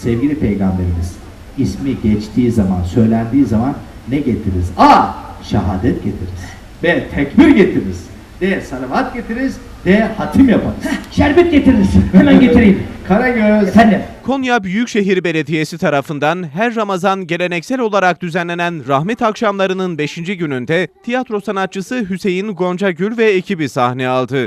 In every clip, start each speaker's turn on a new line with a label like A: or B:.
A: Sevgili Peygamberimiz ismi geçtiği zaman, söylendiği zaman ne getiririz? A. Şehadet getiririz. B. Tekbir getiririz. D. Salavat getiririz. D. Hatim yaparız.
B: Şerbet getiririz. Hemen getireyim.
A: Karagöz.
B: Efendim.
C: Konya Büyükşehir Belediyesi tarafından her Ramazan geleneksel olarak düzenlenen rahmet akşamlarının 5. gününde tiyatro sanatçısı Hüseyin Goncagül ve ekibi sahne aldı.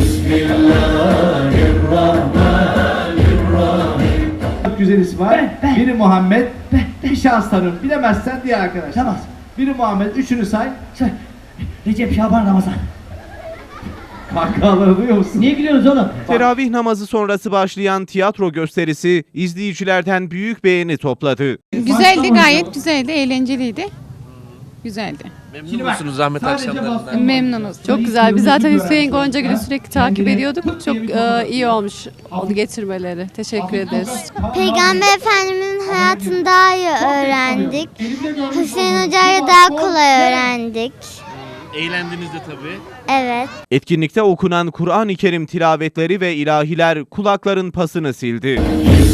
A: Çok güzel isim var. Biri Muhammed. Bir şans tanıyorum. Bilemezsen diye arkadaşlar.
B: Tamam.
A: Biri Muhammed. Üçünü say.
B: Recep, Şaban, Ramazan.
A: Kahkahaları duyuyor musun?
B: Niye gülüyorsunuz oğlum?
C: Teravih namazı sonrası başlayan tiyatro gösterisi izleyicilerden büyük beğeni topladı.
D: Güzeldi, gayet güzeldi, eğlenceliydi. Güzeldi.
E: Memnun musunuz Rahmet akşamlarından?
D: Memnunuz.
F: Çok güzel. Biz zaten Hüseyin Goncagül'ü sürekli takip ediyorduk. Çok iyi olmuş onu getirmeleri. Teşekkür ederiz.
G: Peygamber Efendimiz'in hayatını daha iyi öğrendik. Hüseyin Hoca'yla daha kolay öğrendik.
E: Eğlendiniz de tabii.
G: Evet.
C: Etkinlikte okunan Kur'an-ı Kerim tilavetleri ve ilahiler kulakların pasını sildi.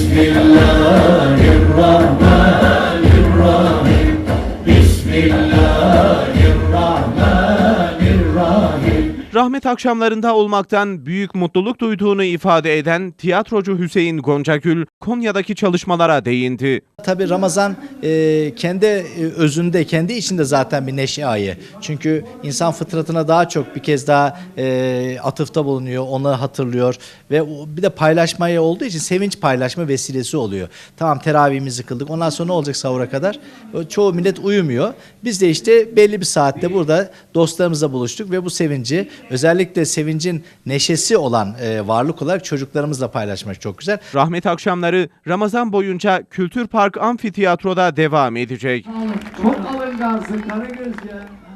C: Rahmet akşamlarında olmaktan büyük mutluluk duyduğunu ifade eden tiyatrocu Hüseyin Goncagül, Konya'daki çalışmalara değindi.
H: Tabii Ramazan kendi özünde, kendi içinde zaten bir neşe ayı. Çünkü insan fıtratına daha çok bir kez daha atıfta bulunuyor, onu hatırlıyor ve bir de paylaşmaya olduğu için sevinç paylaşma vesilesi oluyor. Tamam, teravihimizi kıldık, ondan sonra ne olacak sahura kadar? Çoğu millet uyumuyor. Biz de işte belli bir saatte burada dostlarımızla buluştuk ve bu sevinci, özellikle sevincin neşesi olan varlık olarak çocuklarımızla paylaşmak çok güzel.
C: Rahmet akşamları Ramazan boyunca Kültür Park Amfiteyatro'da devam edecek.
A: Çok alıngansın Karagöz ya.